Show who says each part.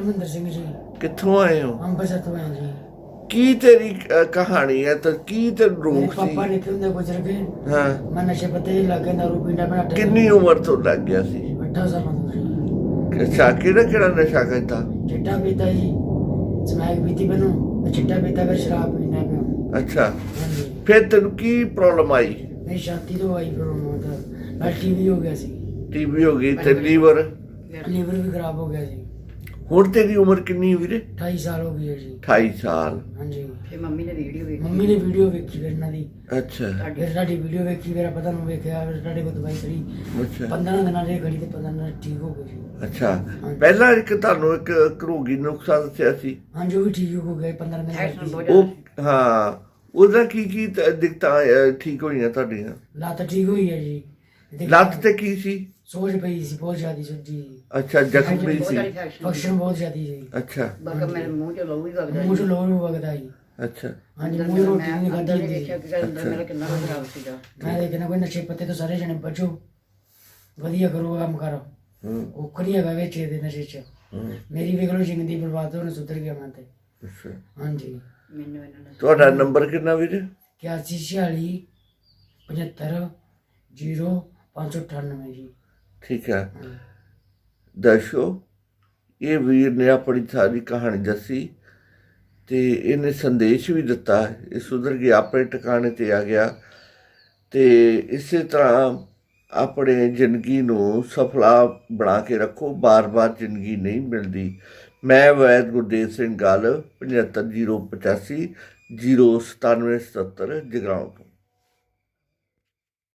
Speaker 1: धर्मेंद्र सिंह जी।
Speaker 2: कित्थों आए हो?
Speaker 1: अंबरसर तो आए जी।
Speaker 2: की तेरी कहानी है तो की ते
Speaker 1: मेरे
Speaker 2: रोक
Speaker 1: पापा
Speaker 2: सी?
Speaker 1: निकल होंदे गुजर गए।
Speaker 2: हाँ
Speaker 1: मैं नशे पत्ते लग गया, दारू पींदा मैं 18
Speaker 2: किन्नी उम्र तो लग गया सी?
Speaker 1: साल तो जी।
Speaker 2: अच्छा केड़ा केड़ा नशा करता?
Speaker 1: चिट्टा पीता जी, स्मैक पीती मैनू, चिट्टा पीता फिर शराब पीना पिया।
Speaker 2: अच्छा
Speaker 1: हाँ जी।
Speaker 2: फिर तेन की प्रॉब्लम आई?
Speaker 1: मेरी छाती तो आई फिर मतलब मैं टीवी हो गया सी,
Speaker 2: टीबी हो गई ते लीवर?
Speaker 1: लीवर भी खराब हो गया जी।
Speaker 2: हुण तेरी उम्र किन्नी वीरे?
Speaker 1: 28 साल हो गई है जी।
Speaker 2: 28 साल।
Speaker 1: हाँ जी।
Speaker 3: ਫਿਰ ਮੰਮੀ ਨੇ ਵੀਡੀਓ ਵੇਖੀ
Speaker 1: ਮੰਮੀ ਨੇ ਵੀਡੀਓ ਵੇਖੀ ਫਿਰ ਇਹਨਾਂ ਦੀ,
Speaker 2: अच्छा
Speaker 1: ਫਿਰ ਸਾਡੀ ਵੀਡੀਓ ਵੇਖੀ, ਮੇਰਾ ਪਤਾ ਨੂੰ ਵੇਖਿਆ, ਫਿਰ ਸਾਡੇ ਕੋਲ ਦਵਾਈ ਕਰੀ,
Speaker 2: अच्छा
Speaker 1: 15 ਦਿਨਾਂ ਦੇ ਘੜੀ ਤੇ 15 ਦਿਨ ਠੀਕ ਹੋ ਗਏ ਜੀ।
Speaker 2: अच्छा ਪਹਿਲਾਂ ਇੱਕ ਤੁਹਾਨੂੰ ਇੱਕ ਘਰੋਗੀ ਨੁਕਸਾ ਦੱਸਿਆ ਸੀ
Speaker 1: ਹਾਂਜੀ ਉਹ ਵੀ ਠੀਕ ਹੋ ਗਏ 15 ਦਿਨ
Speaker 3: ਐਕਸ਼ਨ
Speaker 1: ਬਾਅਦ।
Speaker 3: ਬਹੁਤ
Speaker 2: ਉਹ ਹਾਂ ਉਹਦਾ ਕੀ ਦਿੱਕਤਾਂ ਠੀਕ ਹੋਈਆਂ ਤੁਹਾਡੀਆਂ?
Speaker 1: ਲੱਤ ਠੀਕ ਹੋਈ ਹੈ ਜੀ।
Speaker 2: ਲੱਤ ਤੇ ਕੀ ਸੀ?
Speaker 1: ਸੋਜ ਪਈ ਸੀ ਬਹੁਤ ਜ਼ਿਆਦੀ ਸੱਜੀ,
Speaker 2: ਅੱਛਾ ਜ਼ਖਮ ਵੀ
Speaker 3: ਬਹੁਤ
Speaker 2: ਸੀ?
Speaker 3: ਸਾਰੀ ਫੈਕਸ਼ਨ
Speaker 1: ਫੰਕਸ਼ਨ ਬਹੁਤ ਜ਼ਿਆਦੀ ਸੀ,
Speaker 2: ਅੱਛਾ
Speaker 3: ਬਾਕੀ ਮੇਰੇ ਮੂੰਹ ਚ ਲਹੂ ਵੀ ਵਗਦਾ
Speaker 1: ਮੂੰਹ ਚ ਲੋਹ ਵੀ ਵਗਦਾ ਜੀ।
Speaker 2: ਅੱਛਾ
Speaker 1: ਹਾਂਜੀ ਮੂੰਹ ਦੀ ਰੋਟੀ ਨਹੀਂ ਖਾਧੀ
Speaker 3: ਅੰਦਰ
Speaker 1: ਹੁੰਦੀ
Speaker 3: ਦੇਖਿਆ
Speaker 1: ਸੀ।
Speaker 3: ਕਿ ਅੰਦਰ ਮੇਰਾ ਕਿੰਨਾ ਕੁ ਖਰਾਬ ਸੀਗਾ।
Speaker 1: ਮੈਂ ਦੇਖਣਾ ਕੋਈ ਨਸ਼ੇ ਪੱਤੇ ਤੋਂ ਸਾਰੇ ਜਣੇ ਬਚੋ, ਵਧੀਆ ਕਰੋ ਕੰਮ ਕਰੋ,
Speaker 2: ਹੂੰ
Speaker 1: ਔਖ ਨਹੀਂ ਹੈਗਾ ਵਿੱਚ ਇਹਦੇ ਨਸ਼ੇ 'ਚ।
Speaker 2: ਹੂੰ
Speaker 1: ਮੇਰੀ ਵੇਖ ਲਓ ਜ਼ਿੰਦਗੀ ਬਰਬਾਦ ਹੋਣ ਸੁਧਰ ਗਿਆ ਮੈਂ ਤੇ।
Speaker 2: ਅੱਛਾ
Speaker 1: ਹਾਂਜੀ
Speaker 3: ਮੈਨੂੰ ਇਹਨਾਂ ਨੇ
Speaker 2: ਤੁਹਾਡਾ ਨੰਬਰ ਕਿੰਨਾ ਵੀਰੇ?
Speaker 1: 8146 75 0 598 ਜੀ।
Speaker 2: ਠੀਕ ਹੈ ਦਰਸ਼ੋ ਇਹ ਵੀਰ ਨੇ ਆਪਣੀ ਸਾਰੀ ਕਹਾਣੀ ਦੱਸੀ ਤੇ ਇਹਨੇ ਸੰਦੇਸ਼ ਵੀ ਦਿੱਤਾ। ਇਹ ਸੁਧਰ ਗਿਆ, ਆਪਣੇ ਟਿਕਾਣੇ ਤੇ ਆ ਗਿਆ ਤੇ ਇਸੇ ਤਰ੍ਹਾਂ ਆਪਣੇ ਜ਼ਿੰਦਗੀ ਨੂੰ ਸਫਲਾ ਬਣਾ ਕੇ ਰੱਖੋ। ਬਾਰ-ਬਾਰ ਜ਼ਿੰਦਗੀ ਨਹੀਂ ਮਿਲਦੀ। ਮੈਂ ਵੈਦ ਗੁਰਦੇਵ ਸਿੰਘ ਗੱਲ 75 085 097 77 ਜਗਰਾਉਂ ਤੋਂ।